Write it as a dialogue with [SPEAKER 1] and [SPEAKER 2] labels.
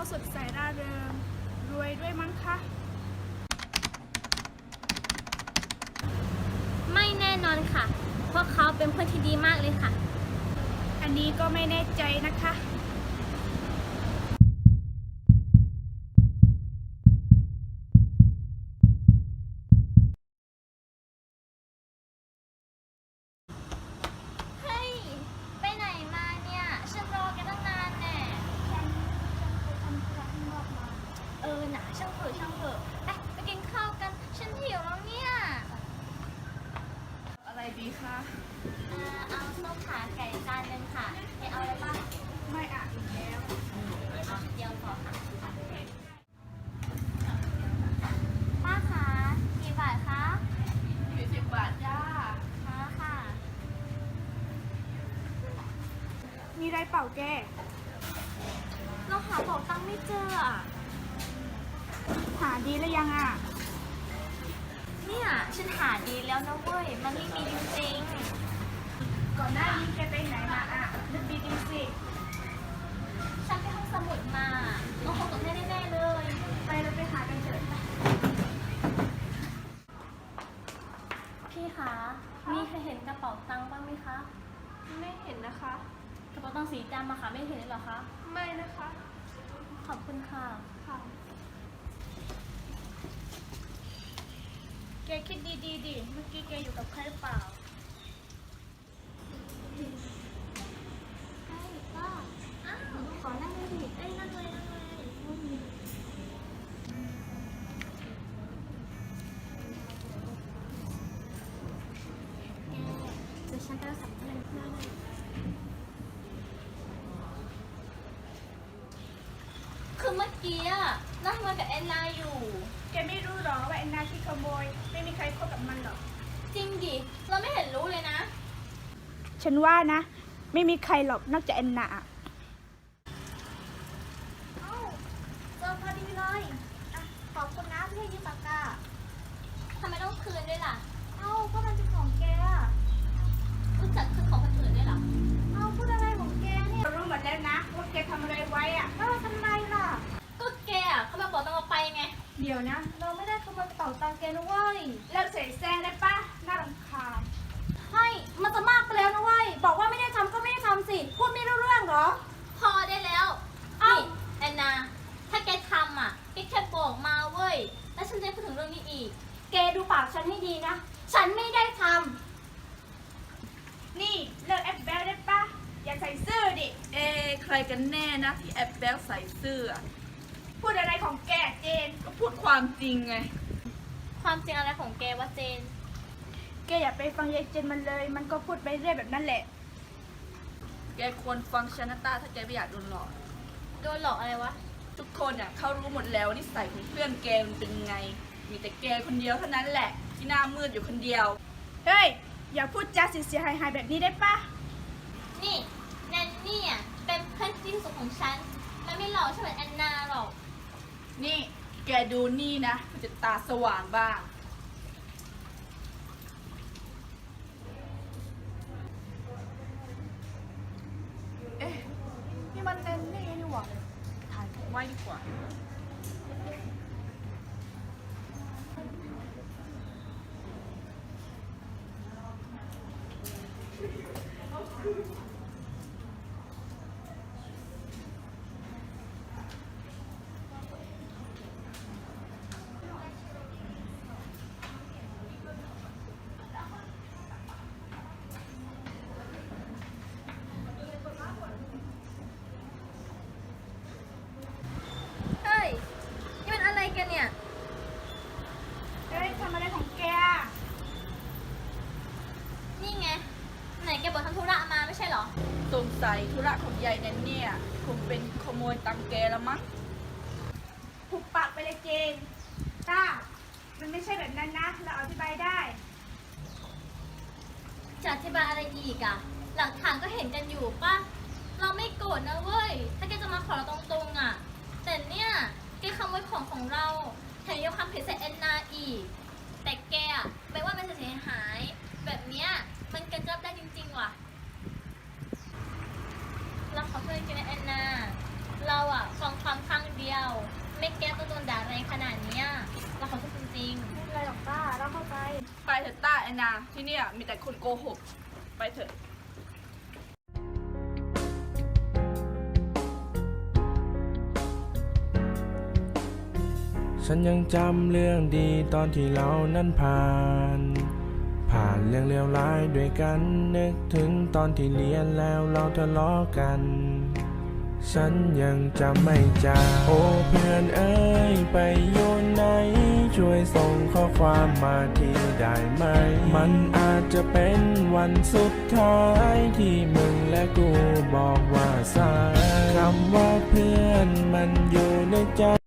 [SPEAKER 1] สดใสร่าเริงรวยด้วยมั้งคะ
[SPEAKER 2] ไม่แน่นอนค่ะเพราะเขาเป็นเพื่อนที่ดีมากเลยค่ะ
[SPEAKER 1] อันนี้ก็ไม่แน่ใจนะคะ
[SPEAKER 2] เฮ้ยไปไหนมาเนี่ยฉันรอแกตั้งนานแน่หนาช่างเถอะไปกินข้าวกันฉันหิวแล้วเนี่ย
[SPEAKER 1] อะไรดีคะ
[SPEAKER 2] เอาส้มขาไก่จานนึงค่ะเอาอะไรบ้าง
[SPEAKER 1] ไม่อ่ะอีกแล้ว
[SPEAKER 2] เอาเดียวพอค่ะป้าคะกี่บาทคะ
[SPEAKER 1] 40 บาทจ้า
[SPEAKER 2] ค่ะ
[SPEAKER 1] มีไรเปล่าแก
[SPEAKER 2] เราหาบอกตังค์ไม่เจออ่ะ
[SPEAKER 1] หาดีแล้วยังอ่ะ
[SPEAKER 2] เนี่ยฉันหาดีแล้วนะเว้ยมันไม่มีจริง
[SPEAKER 1] ก่อนหน้านี้แกไปไหนมาอ่ะนึกดีๆสิ
[SPEAKER 2] ๆฉันไปห้องสมุดมาเราคงตกแน่ๆเลย
[SPEAKER 1] ไปเราไปหากันเถอะ
[SPEAKER 2] พี่คะมีใครเห็นกระเป๋าตังค์บ้างไหมคะ
[SPEAKER 1] ไม่เห็นนะคะ
[SPEAKER 2] กระเป๋าตังค์สีดำอะค่ะไม่เห็นเลยเหรอคะ
[SPEAKER 1] ไม่นะคะ
[SPEAKER 2] ขอบคุณค่ะ
[SPEAKER 1] ค่ะแกคิดดีๆดิเมื่อกี้แกอยู่กับใครหรือเปล่า
[SPEAKER 2] ใช่ป้าอ้าวขอนั่งเลยดินั่งเลยเดี๋ยวฉันจะสัมภาษณ์เพื่อนคือเมื่อกี้อะนั่งมากับแอนนาอยู่
[SPEAKER 1] แกไม่รู้หรอว่าแอนนาที่ขโมยไม่มีใครคบกับมันหรอก
[SPEAKER 2] จริงดิ เราไม่เห็นรู้เลยนะ
[SPEAKER 1] ฉันว่านะ ไม่มีใครหรอกนอกจากแอนนา
[SPEAKER 2] เอ้าเจอพอดีเลยอ่ะขอบคุณนะที่ให้ยืมปากกาทำไมต้องคืนด้วยล่ะ เอ้าก็มันเป็นของแกอะรู้จักคืนของคนอื่นด้วยเหรอ เอ้าพูดอะไรของแกเนี่ย
[SPEAKER 1] เรารู้หมดแล้วนะว่าแกทำอะไรไว้อ่ะ
[SPEAKER 2] แล้วเราทำไมล่ะ ก็แกอะเขามาบอกตังเราไปไง
[SPEAKER 1] เดี๋ยวนะ
[SPEAKER 2] เราไม่ได้ขโมยกระเป๋าตังค์แกนะเว้ย
[SPEAKER 1] เลิกเสแสร้งได้ปะน่ารำคาญ
[SPEAKER 2] ให้มันจะมากไปแล้วนะเว้ย บอกว่าไม่ได้ทำก็ไม่ได้ทำสิ พูดไม่รู้เรื่องเหรอ พอได้แล้วนี่แอนนา ถ้าแกทำอ่ะแกแค่บอกมาเว้ย แล้วฉันจะไม่พูดถึงเรื่องนี้อีก แกดูปากฉันให้ดีนะ ฉันไม่ได้ทำ
[SPEAKER 1] นี่เลิกแอปแบลได้ปะอย่าใส่เสื้อดิ
[SPEAKER 3] ใครกันแน่นะที่แอบแบลใส่เสื้อ
[SPEAKER 1] พูดอะไรของแกเจน
[SPEAKER 3] ก็พูดความจริงไง
[SPEAKER 2] ความจริงอะไรของแกวะเจน
[SPEAKER 1] แกอย่าไปฟังยายเจนมันเลย มันก็พูดไปเรื่อยแบบนั้นแหละ
[SPEAKER 3] แกควรฟังชนะตาถ้าแกไม่อยากโดนหลอก
[SPEAKER 2] โดนหลอกอะไรวะ
[SPEAKER 3] ทุกคนอ่ะเขารู้หมดแล้วนิสัยของเพื่อนแกมันเป็นไง มีแต่แกคนเดียวเท่านั้นแหละ ที่หน้ามืดอยู่คนเดียว
[SPEAKER 1] เฮ้ย อย่าพูดจาเสียหายๆแบบนี้ได้ปะ
[SPEAKER 2] นี่แนนนี่อ่ะเป็นเพื่อนที่สุดของฉัน มันไม่หลอกฉันเหมือนแอนนาหรอก
[SPEAKER 3] นี่แกดูนี่นะมันจะตาสว่างบ้าง เอ๊ะ นี่มันแน่นี่นี่หว่าถ่ายไว้ดีกว่า
[SPEAKER 2] เฮ้ย นี่มันอะไรกันเนี่ย
[SPEAKER 1] เฮ้ยทำอะไรของแก
[SPEAKER 2] นี่ไง ไหนแกบอกทำธุระมาไม่ใช่เหรอ
[SPEAKER 3] สงสัยธุระของยายแนนเนี่ยคงเป็นขโมยตังค์แกแล้วมั้ง
[SPEAKER 1] ถูกปากไปเลยเจนต้ามันไม่ใช่แบบนั้นนะ เราอธิบายได้
[SPEAKER 2] จะอธิบายอะไรอีกอะหลักฐานก็เห็นกันอยู่ป่ะ เราไม่โกรธนะเว้ย ถ้าแกจะมาขอเราตรงๆอะแต่เนี่ยแกขโมยของเราแถมยกความผิดใส่แอนนาอีก แต่แกอะไปว่ามันเสียหาย แบบเนี้ยมันเกินรับได้จริงๆว่ะ เราขอโทษจริงๆนะแอนนา เราอะฟังความข้างเดียวไม่แก้ตัวโดนด่าแรงขนาดเนี้ยเราขอโทษจริง
[SPEAKER 1] ไม่เป็นไรหรอกต้าเราเข้าใจ
[SPEAKER 3] ไปเถอะต้าแอนนาที่เนี่ยมีแต่คนโกหก ไปเถอะ
[SPEAKER 4] ฉันยังจำเรื่องดีตอนที่เรานั้นผ่านเรื่องเลวร้ายด้วยกันนึกถึงตอนที่เรียนแล้วเราทะเลาะกัน ฉันยังจำไม่จางโอ้เพื่อนเอ้ยไปอยู่ไหนช่วยส่งข้อความมาทีได้ไหม มันอาจจะเป็นวันสุดท้ายที่มึงและกูบอกว่าสายคำว่าเพื่อนมันอยู่ในใจ